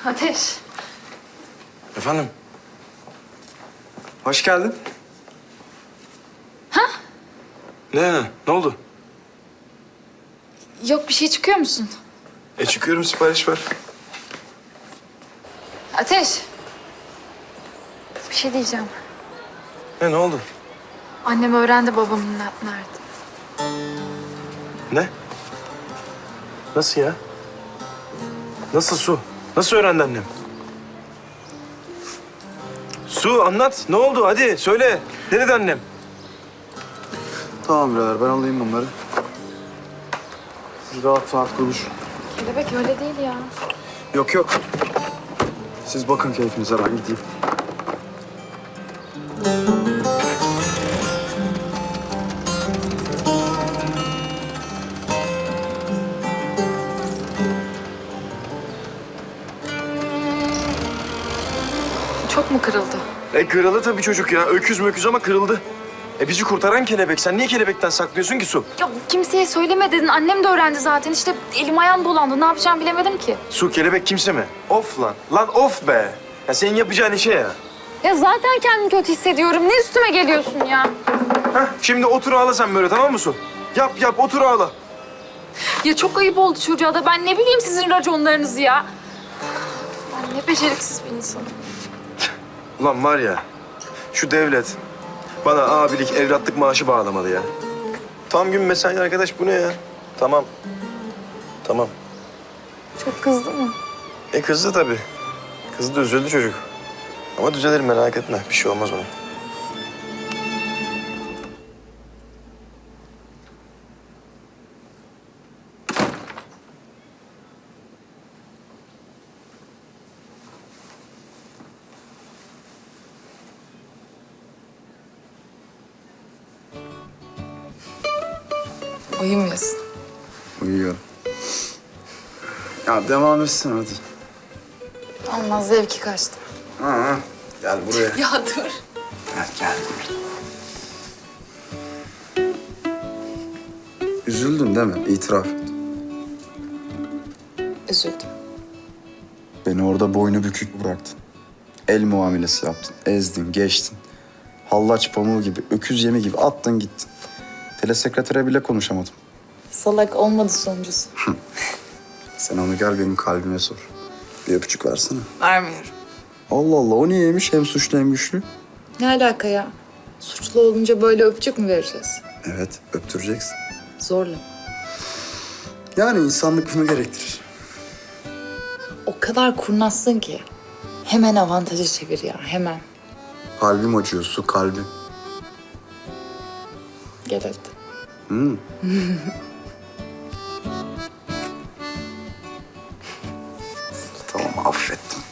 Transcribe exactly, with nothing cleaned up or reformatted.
Ateş. Efendim? Hoş geldin. Ha? Ne? Ne oldu? Yok bir şey çıkıyor musun? E çıkıyorum, sipariş var. Ateş. Bir şey diyeceğim. Ne, ne oldu? Annem öğrendi babamın ne- nerede. Ne? Nasıl ya? Nasıl Su? Nasıl öğrendi annem? Su anlat. Ne oldu? Hadi söyle. Ne dedi annem? Tamam birader, ben alayım bunları. Siz rahat rahat konuşun. Kelebek öyle değil ya. Yok yok. Siz bakın keyfinize, ben gideyim. Çok mu kırıldı? E kırıldı tabii çocuk ya. Öküz möküz ama kırıldı. E bizi kurtaran kelebek. Sen niye kelebekten saklıyorsun ki Su? Ya kimseye söyleme dedin. Annem de öğrendi zaten. İşte elim ayağım dolandı. Ne yapacağımı bilemedim ki. Su, kelebek kimse mi? Of lan. Lan of be. Ya senin yapacağın işe ya. Ya zaten kendimi kötü hissediyorum. Ne üstüme geliyorsun ya? Heh, şimdi otur ağla sen böyle, tamam mı Su? Yap yap, otur ağla. Ya çok ayıp oldu çocuğa da. Ben ne bileyim sizin raconlarınızı ya. Ben ne beceriksiz bir insanım. Ulan var ya, şu devlet bana abilik, evlatlık maaşı bağlamalı ya. Tam gün mesai arkadaş, bu ne ya? Tamam. Tamam. Çok kızdı mı? E kızdı tabii. Kızdı, üzüldü çocuk. Ama düzelir, merak etme. Bir şey olmaz ona. Uyumuyorsun. Uyuyorum. Ya devam etsin hadi. Olmaz, zevki kaçtı. Ha, ha. Gel buraya. Ya dur. Gel, gel. Üzüldün değil mi? İtiraf et. Üzüldüm. Beni orada boynu bükük bıraktın. El muamelesi yaptın. Ezdin, geçtin. Hallaç pamuğu gibi, öküz yemi gibi attın gittin. Telesekretere bile konuşamadım. Salak olmadı sonuncusu. Sen onu gel benim kalbime sor. Bir öpücük versene. Vermiyorum. Allah Allah, o niyeymiş? Hem suçlu hem güçlü. Ne alaka ya? Suçlu olunca böyle öpücük mü vereceğiz? Evet, öptüreceksin. Zorla. Yani insanlık bunu gerektirir. O kadar kurnazsın ki. Hemen avantajı çevir ya, hemen. Kalbim acıyor, Su, kalbim. Gel hadi. Hmm. Tamam, affettim.